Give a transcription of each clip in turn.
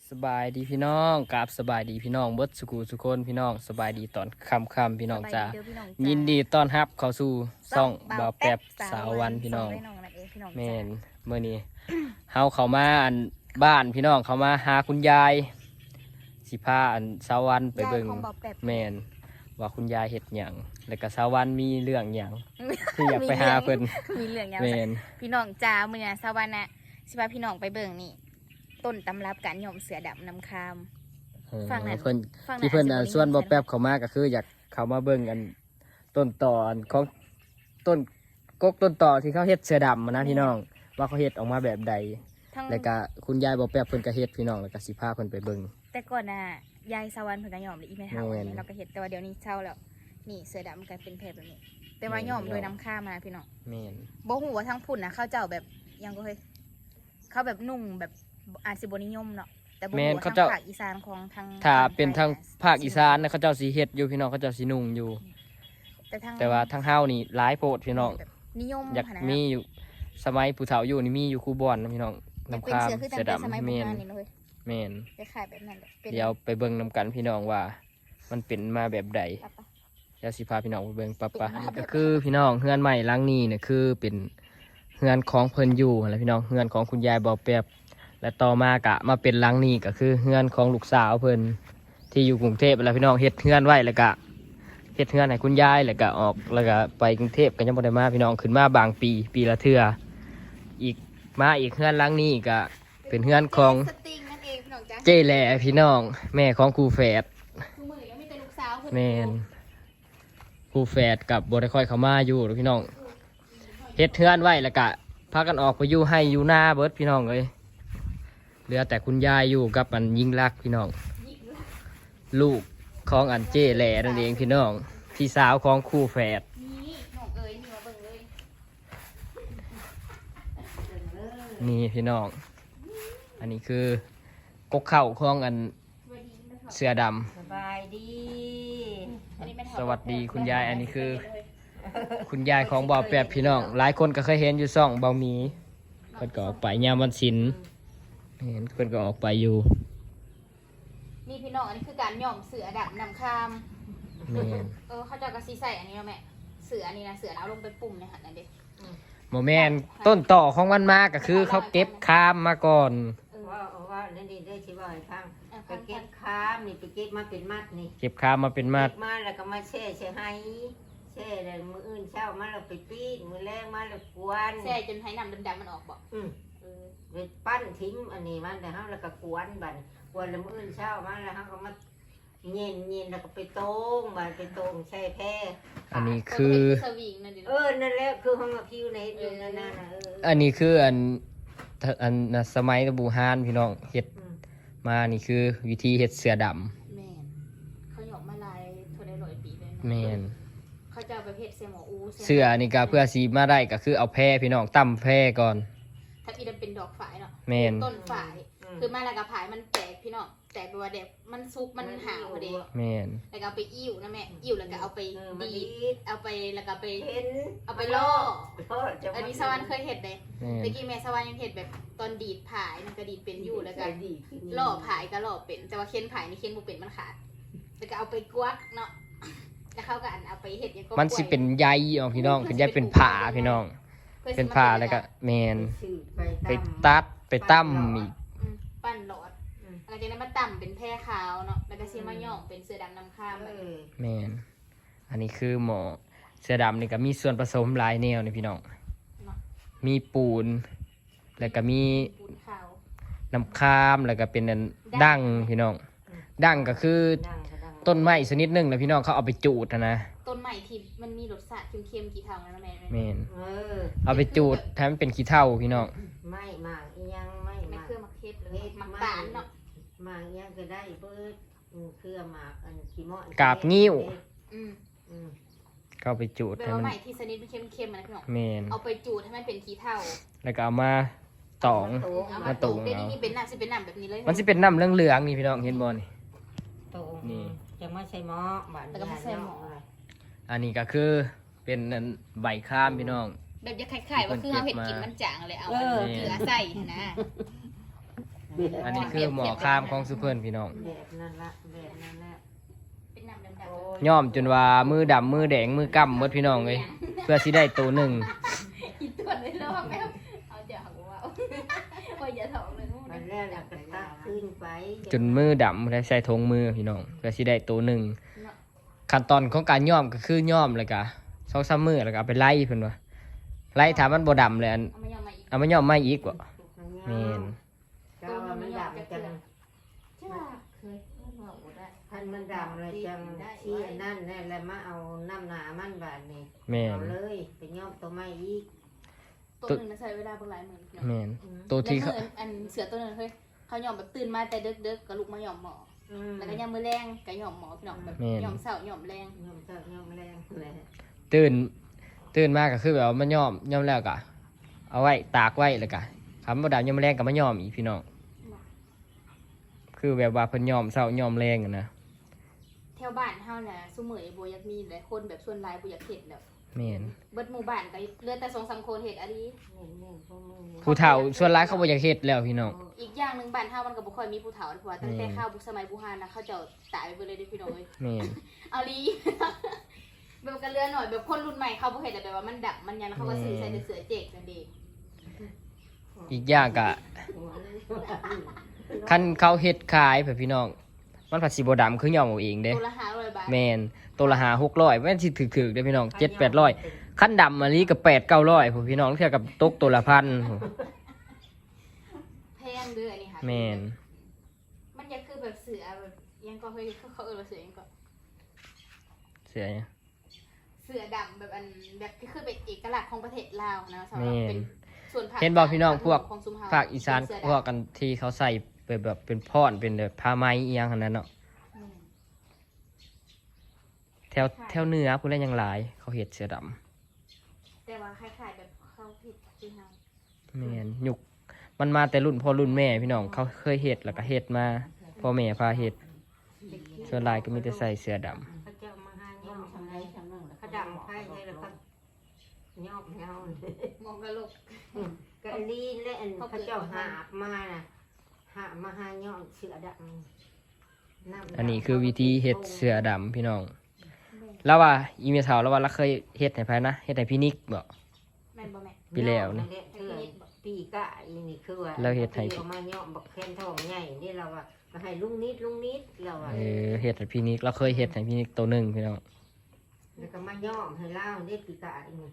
สบายดีพี่น้องกับสบายดีพี่น้องเบิดสุขุสุคนพี่น้องสบายดีตอนค่ำพี่น้องจ้ายินดีต้อนรับเข้าสู่ซ่องบ่าวแป๊บสาววันพี่น้องแม่นเมื่อนี้เฮาเข้ามาอันบ้านพี่น้องเข้ามาหาคุณยายสิพาอันสาววันไปเบิ่งแม่นว่าคุณยายเฮ็ดหยังแล้วก็สาววันมีเรื่องหยังที่อยากไปหาเพิ่นมีเรื่องหยังแม่นพี่น้องจ้ามื้อนี้สาววันน่ะสิพาพี่น้องไปเบิ่งนี่ต้นตำรับการหย่อมเสือดำน้ำคามฟังนั้นเพิ่นที่เพิ่นส่วนบ่แป๊บเข้ามาก็คืออยากเข้ามาเบิ่งอันต้นตออันของต้นกกต้นตอที่เขาเฮ็ดเสือดำนะพี่น้องว่าเขาเฮ็ดออกมาแบบใดแล้วก็คุณยายบ่แป๊บเพิ่นก็เฮ็ดพี่น้องแล้วก็สิพาเพิ่นไปเบิ่งแต่ก่อนน่ะยายสาววันเพิ่นก็หย่อมเลยอีแม่เฒ่าอันนี้เราก็เฮ็ดแต่ว่าเดี๋ยวนี้เช่าแล้วนี่เสือดำกลายเป็นแพรแบบนี้แต่ว่าหย่อมโดยน้ำคามมาพี่น้องแม่นบ่ฮู้ว่าทั้งพุ่นน่ะเขาเจ้าแบบยังก็เฮ้ยเขาแบบนุ่งแบบอาจสิบ่นิยมเนาะแต่บ่ฮู้ว่าทางภาคอีสานของทางถ้าเป็นทางภาคอีสานนะเขาเจ้าสิเฮ็ดอยู่พี่น้องเขาเจ้าสินุ่งอยู่แต่ว่าทางเฮานี่หลายโพดพี่น้องนิยมอยากมีอยู่สมัยผู้เฒ่าอยู่นี่มีอยู่คูบอนนะพี่น้องน้ำคามเสือดำแม่นแม่นขายแบบนั้นเดี๋ยวไปเบิ่งนำกันพี่น้องว่ามันเป็นมาแบบใดเดี๋ยวสิพาพี่น้องไปเบิ่งปะก็คือพี่น้องเฮือนใหม่หลังนี้เนี่ยคือเป็นเฮือนของเพิ่นอยู่แล้วพี่น้องเฮือนของคุณยายบ่แป๊บและต่อมากะมาเป็นหลังนี้ก็คือเฮือนของลูกสาวเพิ่นที่อยู่กรุงเทพแล้วพี่น้องเฮ็ดเฮือนไว้แล้วก็เฮ็ดเฮือนให้คุณยายแล้วก็ออกแล้วก็ไปกรุงเทพก็ยังบ่ได้มาพี่น้องขึ้นมาบางปีละเทื่ออีกมาอีกเฮือนหลังนี้ก็เป็นเฮือนของเจ้แหล่พี่น้องแม่ของครูแฝดแม่นครูแฝดกับบ่ได้ค่อยเข้ามาอยู่หรอกพี่น้องเฮ็ดเฮือนไว้แล้วก็พากันออกไปอยู่ให้อยู่หน้าเบิดพี่น้องเอ้ยเหลือแต่คุณยายอยู่กับอันยิ่งรักพี่น้องลูกของอันเจ้แหล่นั่นเองพี่น้องพี่สาวของครูแฝดนี่พี่น้องอันนี้คือกกเข่าของอันเสือดำสบายดีสวัสดีคุณยายอันนี้คือคุณยายของบ่าวแป๊บพี่น้องหลายคนก็เคยเห็นอยู่ซ่องบ่าวหมีเพิ่นก็ออกไปยามวันศิลป์เห็นเพิ่นก็ออกไปอยู่นี่พี่น้องอันนี้คือการหย่อมเสือดำน้ำคามเขาจะกระซีใส่อันนี้แล้วแม่เสืออันนี้นะเสือเอาลงไปปุ่มในหันนั่นเด็กโมแมนต้นต่อของมันมาก็คือเขาเก็บคามมาก่อนว่านั่นดีได้ชิว่าให้ฟังไปเก็บค้ามนี่ไปเก็บมาเป็นมัดนี่เก็บคามมาเป็นมัดมาแล้วก็มาแช่ให้แช่แล้วมืออื่นเช้ามาเราไปปีนมือแรงมาแล้วกวนแช่จนให้น้ำดำมันออกบ่ไปปั้นทิ้งอันนี้มันแต่ห้ามแล้วก็กวนบันกวนแล้วมืออื่นเช้ามาแล้วห้ามก็มาเย็นแล้วก็ไปต้มบันไปต้มแช่แพ้อันนี้คือนั่นแหละคือห้องพิวในอยู่นั่นอันนี้คืออันสมัยตะบูฮานพี่น้องเฮ็ดมานี่คือวิธีเฮ็ดเสือดำแม่นเขาหยอกมาลายเท่าได้100 ปีเลยแม่นเขาจะเอาไปเฮ็ดเสือหมออูเสือนี่ก็เพื่อสีมาได้ก็คือเอาแพร่พี่น้องตั้มแพร่ก่อนถ้าอีดันเป็นดอกฝายเนาะแม่นต้นฝายคือมาแล้วก็ผายมันแตกพี่น้องแตกแบบว่าเด็กมันซุกมันหาวพอดีแม่นแล้วก็เอาไปอิ่วนะแม่อิ่วแล้วก็เอาไปดีเอาไปแล้วก็ไปเอาไปล่ออันนี้สวรรค์เคยเห็ดเลยเมื่อกี้แม่สวรรค์ยังเห็ดแบบตอนดีดผายมันก็ดีดเป็นอยู่แล้วก็ล่อผายก็ล่อเป็นแต่ว่าเค้นผายนี่เค้นบุเป็นมันขาดแล้วก็เอาไปกวักเนาะแล้วเขาก็เอาไปเห็ดยังก็มันสิเป็นใยอ๋อพี่น้องเป็นใยเป็นผาพี่น้องเป็นผาแล้วก็แม่นไปตัดไปตั้มอีกปั้นหลอดหลังจากนั้นมาตั้มเป็นแพร่ขาวเนาะแล้วก็เสียมาย่องเป็นเสือดำน้ำข้ามแม่นอันนี้คือหมอเสือดำนี่ก็มีส่วนผสมหลายแนวนี่พี่น้องมีปูนแล้วก็มีน้ำข้ามแล้วก็เป็นดั้งพี่น้องดั้งก็คือต้นไม้ชนิดหนึ่งนะพี่น้องเขาเอาไปจูดนะต้นไม้ที่มันมีรสชาติเค็มๆกี่เท่านะแม่แม่นเอาไปจูดทำให้เป็นขี้เถ้าพี่น้องไม่หมากยังไม่เครื่องมักเทศเลยมักตาลเนาะหมากยังก็ได้เปิดเครื่องหมากอันขี้มอกาบงิ้วเข้าไปจูดให้มันใหม่ที่ชนิดเค็มๆนะพี่น้องแม่นเอาไปจูดให้มันเป็นขี้เถ้าแล้วก็เอามาตองมาตุ่มเดี๋ยวนี้เป็นน้ำสิเป็นน้ำแบบนี้เลยมันสิเป็นน้ำเหลืองๆนี่พี่น้องเห็นบ่นี่นี่จะไม่ใช่หม้อแล้วก็ไม่ใช่หม้ออันนี้ก็คือเป็นใบข้ามพี่น้องแบบจะไข่ๆว่าคือเขาเห็ดกินมันจางเลยเอาเกลือใส่นะอันนี้คือหมอข้ามของซุเพิ่นพี่น้องแบบนั้นละแบบนั้นละเป็นน้ำดำโอ้ยย่อมจนว่ามือดำมือแดงมือกำหมดพี่น้องเลยเพื่อสิได้ตัวหนึ่งๆอีตัวเลยรอบแม่เอาเดี๋ยวหักว่าโอ้ยอย่าถอกเลยนู่นมันแรกก็ตักขึ้นไปจนมือดำได้ใส่ทงมือพี่น้องเพื่อสิได้ตัวหนึ่งขั้นตอนของการย่อมก็คือย่อมเลยกะ2-3มือแล้วก็เอาไปไล่เพิ่นว่าไล่ถามมันบ่ดำเลยอันเอามายอมมาอีกเอามาย่อมไม่อีกว่ะแม่นก็ว่ามันดับจังจ้าเคยว่าโอ้ได้ท่านมันดับเลยจังที่นั่นนี่แล้วมาเอาน้ำหนามันบาดนี่แม่นเอาเลยไปย่อมตัวไม้อีกตัวหนึ่งนะใช้เวลาเป็นหลายหมื่นแม่นตัวที่แล้วเขาเมื่ออันเสือตัวนึงเฮ้ยเขาหย่อมแบบตื่นมาแต่เด็กๆก็ลุกมาหย่อมหมอแล้วก็ยามมื้อแรงก็หย่อมหมอพี่น้องแบบหย่อมเช้าหย่อมแรงย่อมเจ้าย่อมแรงเลยตื่นมาก็คือแบบว่ามันย่อมแล้วก็เอาไว้ตากไว้แล้วก็คำบ่ดำย่อมแรงก็มาย่อมอีกพี่น้องคือแบบว่าเพิ่นย่อมเช้าย่อมแรงอะนะแถวบ้านเฮาน่ะซุมื้อนี้บ่อยากมีหลายคนแบบส่วนหลายบ่อยากเฮ็ดแล้วแม่นเบิดหมู่บ้านก็เหลือแต่2-3คนเฮ็ดอะดีผู้เฒ่าส่วนหลายเขาบ่อยากเฮ็ดแล้วพี่น้องอีกอย่างหนึงบ้านเฮามันก็บ่ค่อยมีผู้เฒ่าเพราะว่าตั้งแต่ข้าวบุกสมัยโบราณนะเขาเจ้าตายไปเบิดเลยเด้อพี่น้องเอ้ยแม่นเอาลี แบบกันเรือหน่อยแบบคนรุ่นใหม่เขาบ่เห็นแต่แบบว่ามันดับมันยันแล้วเขาก็ซื้อใส่แต่เสือเจกนั่นเองอีกอย่างก็คันเขาเฮ็ดขายแบบพี่น้องมันผัดสิบ่ดำคือย่อมเอาเองเด้ตัวละ500 บาทแม่นตัวละ5-600แม่นสิถึกๆเด้อพี่น้อง7-800คันดำมะลิก็8-900พุ่นพี่น้องเทื่อกับตกตัวละ1,000พุ่นแพงเด้ออันนี้ค่ะแม่นมันจะคือแบบเสือแบบยังก็เฮ้ยเขาเออว่าเสือยังก็เสียเนี่ยเสือดำแบบอันแบบที่คือเป็นเอกลักษณ์ของประเทศลาวนะสำหแม่รับนเป็นส่วนภาคเห็นบอกพี่น้องพวกของซุมเฮภาคอีสานเป็เสือพวกดำกันที่เขาใส่แบบเป็นพรเป็นแบบผ้าไหมอีหยังหั่นนั้นเนาะอืมแถวเหนือพุ่นแลยังหลายเขาเฮ็ดเสือดำแต่ว่าคล้ายๆแบบเขาผิดที่เฮาแม่นยุคมันมาแต่รุ่นพ่อรุ่นแม่พี่น้องเขาเคยเฮ็ดแล้วก็เฮ็ดมาพ่อแม่พาเฮ็ดส่วนหลายก็มีแต่ใส่เสื้อดำเขาเจ้ามาหาย่อมทำไรทำนั่นเขาดำไข่เลยแล้วก็ย่อมเงามองกะโหลกก็อันนี้และอันเขาเจ้าหาบมาน่ะหาบมาหาย่อมเสือดำำดำอันนี้คือวิธีเฮ็ดเสื้อดำพี่น้องแล้วว่าอีเมลเฒ่าแล้วว่าเราเคยเฮ็ดให้ไผนะเฮ็ดให้พี่นิกบ่แม่นบ่แม่ปีแล้วนี่ปีกะอีนี่คือว่าเราเฮ็ดให้เอามาย่อมบักแคนทองใหญ่นี่เราว่ามาให้ลุงนิดเราว่าเฮ็ดให้พี่นิกเราเคยเฮ็ดให้พี่นิกตัวหนึงพี่น้องแล้วก็มาย่อมให้เล่าเด็ดปีกะอีนี่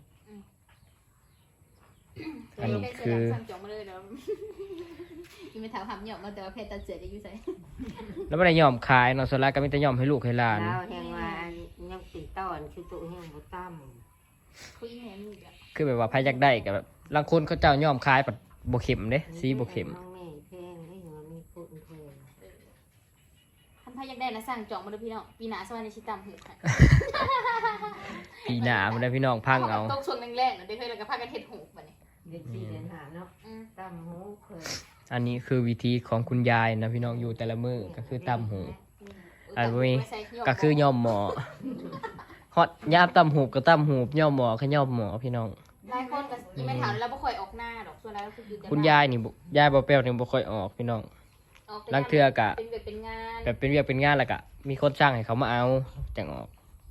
อันนี้คือสั่งจองมาเลยเนาะ อีเมลถามหำหยอกมาแต่ว่าเพจตัดเสือจะอยู่ไสแล้วบ่ได้ยอมขายเนาะส่วนหลายก็มีแต่ยอมให้ลูกให้หลานเราแห่งว่ายังติดต้อนคือตัวแห่งบ่ตั้มคุยแม่นี่อ่ะคือแบบว่าไผอยากได้ก็แบบบางคนเขาเจ้ายอมขายปัดบ่เข้มเด้สีบ่เข้มน้องแม่แพงนี่หัวมีคนแพงท่านพาอยากได้นะสั่งจองมาเลยพี่น้องปีหน้าสวัสดีชิตามหูค่ะปีหน้าบ่ได้พี่น้องพังเอาตกช่วงแรกๆเนาะได้เคยแล้วก็พากันเฮ็ดหูบัดนี้เด็กสี่เดือนหาเนาะอืมตั้มหูเคยอันนี้คือวิธีของคุณยายนะพี่น้องอยู่แต่ละมื้อก็คือตำหู อันนี้ก็คือย่อมหมอฮอดยามตำหูก็ตำหูย่อมหมอก็ย่อมหมอพี่น้องหลายคนก็อีเมลถามแล้วบ่ค่อยออกหน้าดอกส่วนแล้วก็คืออยู่แต่คุณยายนี่บ่ยายบ่แป้วนี่บ่ค่อยออกพี่น้องออกแต่ลังเทื่อกะเป็นแบบเป็นงานแบบเป็นเวียกเป็นงานแล้วก็มีคนจ้างให้เขามาเอาจังออก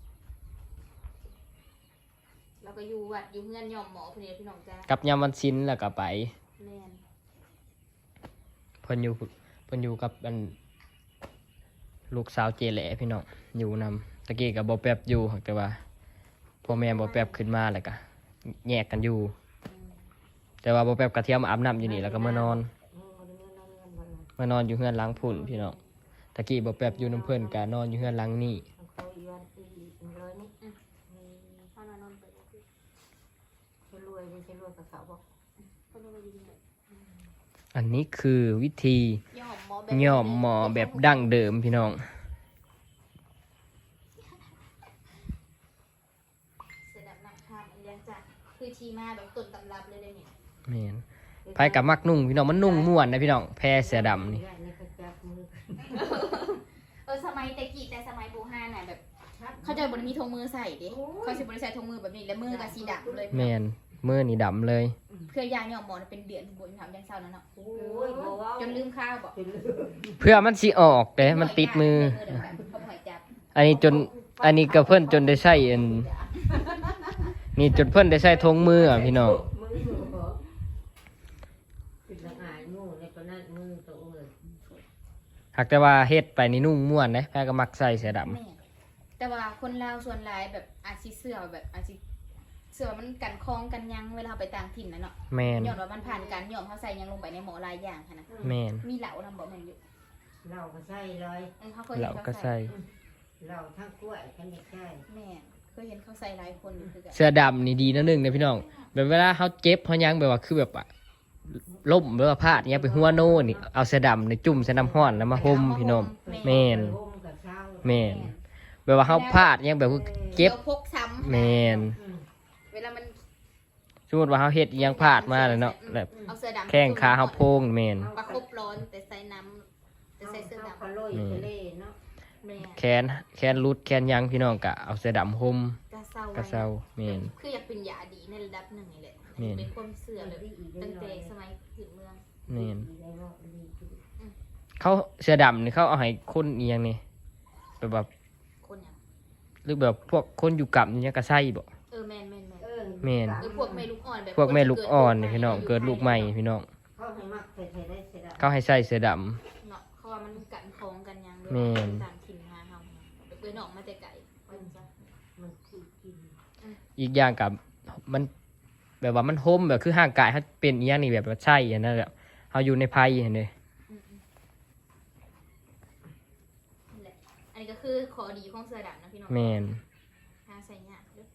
แล้วก็อยู่วัดอยู่เฮือนยอมหมอพุ่นเด้อพี่น้องจ้ากับยามวันศิลแล้วก็ไปแม่นเพิ่นอยู่กับอันลูกสาวเจแหล่พี่น้องอยู่นำตะกี้ก็บ่แป๊บอยู่แต่ว่าพ่อแม่บ่แป๊บขึ้นมาแล้วก็แยกกันอยู่ แต่ว่าบ่แป๊บก็เที่ยวมาอาบน้ำอยู่นี่แล้วก็มานอนมานอนอยู่เฮือนหลังพุ่นพี่น้องตะกี้บ่แป๊บอยู่น้ำเพิ่นก็นอนอยู่เฮือนหลังนี่เขาอีวันอีร้อยนี่เฮานอนไปเลยคือจะรวยจะรวยกับเขาบอกเพิ่นว่าดีเลยอันนี้คือวิธีย่อมหมอแบบย่อมหมอแบบดั้งเดิมพี่น้องเสด็จนักข้ามอันเลี้ยงจ้ะคือทีมาแบบต้นตำรับเลยเด้อเนี่ยแม่นไผกับมักนุ่งพี่น้องมันนุ่งม่วนนะพี่น้องแพรเสือดำนี่นี่ก็จับมือสมัยแต่กี้แต่สมัยโบราณน่ะแบบ เขาจะบ่ได้มีธงมือใส่เด้เขาสิบ่ได้ใส่ธงมือแบบนี้แล้วมือก็สีดำเลยแม่นมือนี่ดำเลยเพื่อยาเนี่ยหมอเป็นเดือนบ่ถามยังเศร้านั่นเนาะโอ้ยบ่เว้าจนลืมข้าวบอกเพื่อมันสิออกแต่มันติดมือเขาหอยจับอันนี้จนอันนี้ก็เพิ่นจนได้ใช้อันนี่จนเพิ่นได้ใช้ทงมืออ่ะพี่น้องมือบ่เป็นละอายงูในปานนั้นมือตัวเอ้ยหากแต่ว่าเฮ็ดไปนี่นุ่งม่วนเด้แพ้ก็มักใส่เสื้อดำแม่แต่ว่าคนลาวส่วนหลายแบบอาชีเสื้อแบบอาชีเสื้อมันกันคล้องกันยังเวลาไปต่างถิ่นนะเนาะแม่นย้อนว่ามันผ่านการย้อมเขาใส่ยังลงไปในหมอลายอย่างค่ะนะแม่นมีเหลาทำบ่แม่นอยู่เราก็ใช่เลยเขาเคยเห็เรานเขาก็ใส่ใส่เราทั้งกล้วยทั้งเด็กใช่แม่เคยเห็นเขาใส่หลายคนอยู่คือกันเสื้อดำนี่ดีนะนึงนะพี่น้องแบบเวลาเขาเจ็บเขายังแบบว่าคือแบบอะล่มหรือว่าพลาดเนี้ยไปหัวโน่นนี่เอาเสื้อดำในจุ่มใส่น้ำห้อนแล้วมาห่มพี่น้องแม่นร่มกับเช้าแม่นแบบว่าเขาพลาดยังแบบว่าเจ็บดี๋ยวพกซ้ำแม่นเวลามันสมมติว่าเขาเฮ็ดอิหยังพลาดมาเลยเนาะแบบเอาเสื้อดำแข้งขาเขาโพงแม่นประคบร้อนแต่ใส่น้ำแต่ใส่เสื้อเขาดำก็ลอยทะเลเนาะแม่แขนรุดแขนยังพี่น้องกะเอาเสื้อดำห่มกระเซากระเซาแม่นคืออยากเป็นยาดีในระดับหนึ่งนี่แหละแม่นเป็นความเสื่อเลยตั้งแต่สมัยพื้นเมืองแม่นเขาเสื้อดำนี่เขาเอาให้คนเอียงนี่แบบคนอย่างหรือแบบพวกคนอยู่กับนี่ก็ใส่บ่แมนแม่นหรือพวกแม่ลูกอ่อนแบบพวกแม่ลูกอ่อนนี่พี่น้องเกิดลูกใหม่พี่น้องเขาให้มักใส่ได้เสร็จแล้วเขาให้ใส่เสื้อดำเนาะเขาว่ามันกันคองกันยังด้วยแม่นต่างถิ่นมาเฮาไปเปื้อนออกมาแต่ไก่ว่าจังซั่นมันคือกินอีกอย่างกับมันแบบว่ามันห่มแบบคือห่างกายเขาเป็นอีหยังนี่แบบว่าใช่อันนั้นแหละเขาอยู่ในภัยเห็นเด้อืมนั่นแหละอันนี้ก็คือข้อดีของเสื้อดำนะพี่น้องแม่นหาใส่ยากเด้อ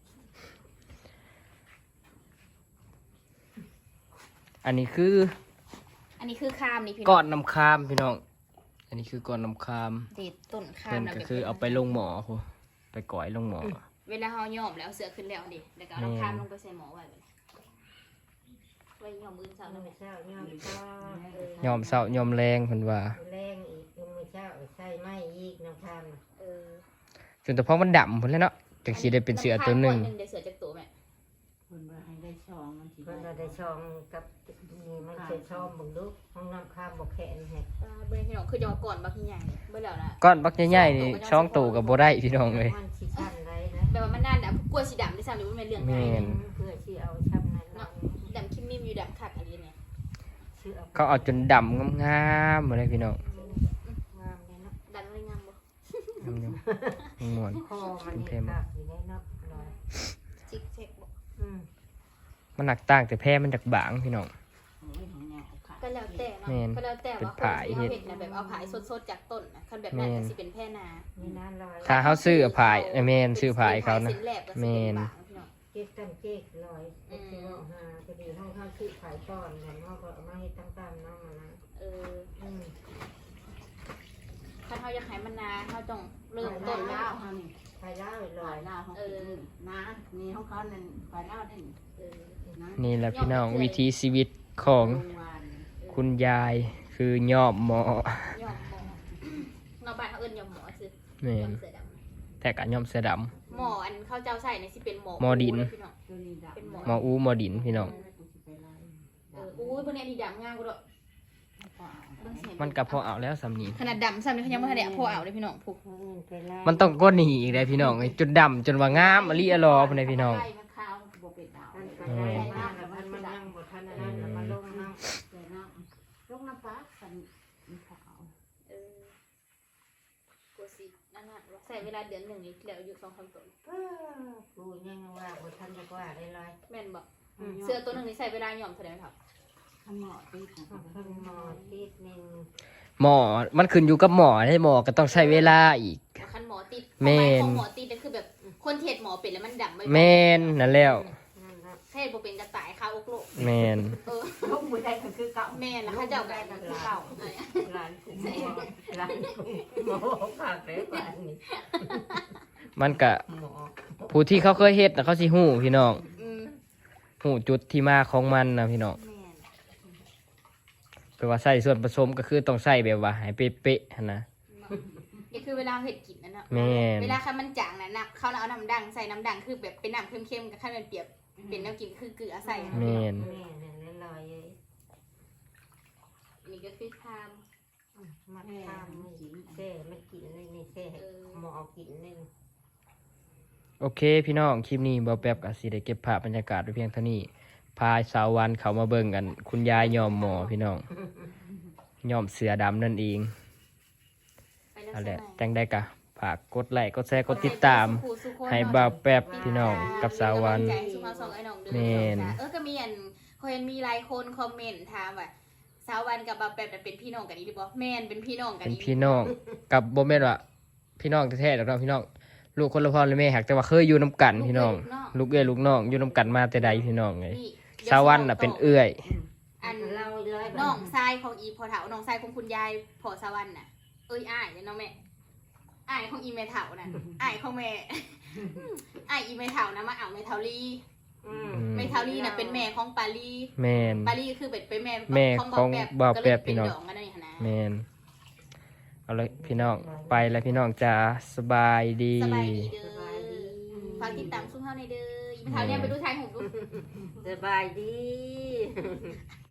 อันนี้คืออันนี้คือคามนี่พี่น้ก้ออง นน้ำคามพี่น้อง อันนี้คือก้อนน้ำคามเด็ดต้นคาเพิ่มนนะก็แบบคือเอาไปลงหมอโหไปก่อยลงหมอเวลาเฮาย่อมแล้วเสือขึ้นแล้วดิแล้วก็เอาน้ำคามลงไปใส่หมอไว้แบบนี้ไว้ย่อมมื้อเช้าเอาแล้วไม่แม่เช้าย่อมเช้ายอมเศร้ายอมแรงเพิ่นว่าแรงอีกยังไม่เช้าใส่ไม่อีกน้ำทานเออจนแต่พอมันดำพุ่นแล้วเนาะจังสิได้เป็นเสือตัวหนึงเดี๋ยวเสือจากตัวแม่คนว่าให้ได้ช่องมันสิเพิ่นเราได้ช่องกับนี่มันใส่ช่องบึงลูกห้องน้ำข้ามบอกแขนให้เบอร์พี่น้องคือจะมาก่อนบักใหญ่เบอร์แล้วนะก้อนบักใหญ่ๆนี่ช่องตู่ก็บ่ได้พี่น้องเอ้ยมันสิชันไรนะแบบว่ามันน่าดำกลัวสีดำด้วยซ้ำหรือว่ามันเรื่องแม่ง่ายนเพื่อที่เอาช้ำนั้นเนาะดำคิมมิมอยู่ดำคักอะไรเนี่ยชื่อเอาเขาเอาจนดำงามๆหมดเลยพี่น้องงามเลยเนาะดันเลยงามบ่งามอยู่ม่วนคอมันเห็นภาพอยู่ในเนาะลอยจิกเช็คบ่อืมมันหนักต่างแต่แพ้มันจากบางพี่น้องโอ้ยของแนวค่ะก็แล้วแต่เนาะแม่นก็แล้วแต่ว่าเป็นผายคนที่เขาเห็ดนะแบบเอาผายสดๆจากต้นนะคันแบบนั้นก็สิเป็นแพร่นานี่นะลอยถ้าเขาซื้อผายแม่นซื้อผายเขานะสินแลบก็สิแม่เป็นนบางพี่น้องเก๊กกันเก๊กลอยเก๊กที่ว่าหาพอดีห้องข้างคือขายต้อนกันเขาก็เอามาให้ตั้งตามน้องมานะเอออืมถ้าเขาอยากให้มันนาเขาต้องเริ่มต้ต้นนแล้แล้ว วเฮานี่ขายได้ลฝ่าอย ยลาวเขาเป็นนะนี่ของเขานั่นฝ่ายลาวนั่นเออนะนี่แหละพี่น้องวิถีชีวิตของโรงงานคุณยายคือยอมหมอยอมหมอเราบ้านเขาเอิ้นยอมหมอซื้อแม่ยอมนเสือดำแต่กะยอมเสื้อดหมออันเขาเจ้าใส่ในสิเป็นหมอหมอดินพี่น้องตัวนี้ดำเป็นหมำหมออูหมอดินพี่น้องอุ้ยพวกนี้อันนี้ดำง่ายกว่าด้วยเบิ่งเสียงมันก็พอเอาแล้วสำนีขนาดดำซ้ำนี่เขายังไม่ทันได้พอเอาเลยพี่น้องผูกไปไล่มันต้องก้นหนีอีกเลยพี่น้องไอ้จนดำจนว่างามอลิอลอพุ่นเลยพี่น้องไล่มันขาวบ่เป็นดาวมันไปไล่มากแล้วมันนั่งบนท่านนั้นแล้วมันลงนั่งแต่น้ำลงน้ำปลาสันมันขาวเออกูสินั่นน่ะใส่เวลาเดือนหนึ่งนี่แล้วอยู่2-3 ตัวกูยังว่าบนท่านจะว่าได้ลอยแม่นบอกเสื้อตัวหนึ่งนี่ใส่เวลาหย่อมเท่าไหร่ไหมครับข้างหม้อติดนะเพิ่งมอติดนึงหมอมันขึ้นอยู่กับหมอให้หมอก็ต้องใช้เวลาอีกคันหมอติดแม่นของหมอติดก็คือแบบคนเทศหมอเป็นแล้วมันดำไม่แม่นนั่นแล้วนั่นครับเทศบ่เป็นกระต่ายคาอกโลกแม่นเออลูกมือได้ก็คือเก่าแม่นแล้วเขาเจ้ากันคือเก่าอะไรอะร้านกูร้านกูหมอผักเลยป่านนี้มันก็หมอผู้ที่เขาเคยเฮ็ดน่ะเขาสิฮู้พี่น้องอืมฮู้จุดที่มาของมันนะพี่น้องแม่นแปลว่าใส่ส่วนผสมก็คือต้องใส่แบบว่าให้เป๊ะๆหั่นนะนี่คือเวลาเห็ดกินนั่นเนาะแม่นเวลาคันมันจางน่ะนักเขาเอาน้ำดังใส่น้ำดังคือแบบเป็นน้ำเค็มๆกับข้าวมันเปียกเป็นแนวกินคือเกลือใส่แม่นแม่เนี่ยลอยเลยนี่ก็คือทามมาทำแซ่ไม่กินเลยนี่แซ่หมอกินเลยโอเคพี่น้องคลิปนี้บ่แป๊บก็สิได้เก็บภาพบรรยากาศไว้เพียงเท่านี้พาสาววันเขามาเบิ่งกัน คุณยายยอมหมอพี่น้องยอมเสือดำนั่นเองไปแล้วนั่นแหละใช่ไหมจังได้กะฝากกดไลค์กดแชร์กดติดตาม ให้บ่าวแป๊บพี่น้องกับสาววันใจสุภาพสองไอ้น้องเด้อแม่นก็มีอันเขาเห็นมีหลายคนคอมเมนต์ถามว่าสาววันกับบ่าวแป๊บน่ะเป็นพี่น้องกันอีหรือบ่แม่นเป็นพี่น้องกันเป็นอีหลีพี่น้องกับบ่แม่นว่าพี่น้องแท้ๆดอกเนาะพี่น้องลูกคนละพ่อละแม่หักแต่ว่าเคยอยู่นํกันพี่น้อง ลูกเอ้ยลูกน้องอยู่นํกันมาแต่ใดพี่น้องไงนี่สาววันน่ะเป็นเอื้อยอันเราเลยน้องชายของอีพอเฒ่าน้องชายของคุณยายพอสาววันน่ะอ้ายเนี่ยเนาะแม่อ้ายของอีแม่เฒ่าน่ะอ้ายของแม่ อ้ายอีแม่เฒ่านะมาเอาแม่เฒ่าลีแม่เฒ่าลีน่ะเป็นแม่ของปาลีแม่นปาลีคือเป็นแม่แม่ของบ่บ่าวก็แป๊เลยบเป็พี่นน้องดองกันนั่นนี่นะแม่นเอาเลยพี่น้องไปแล้วพี่น้องจ้าสบายดีสบายดีเด้อฝากติดตามซุ่มเฮาในอยเด้ออีแม่เฒ่าเนี่ยไปดูทางของดูสบายดี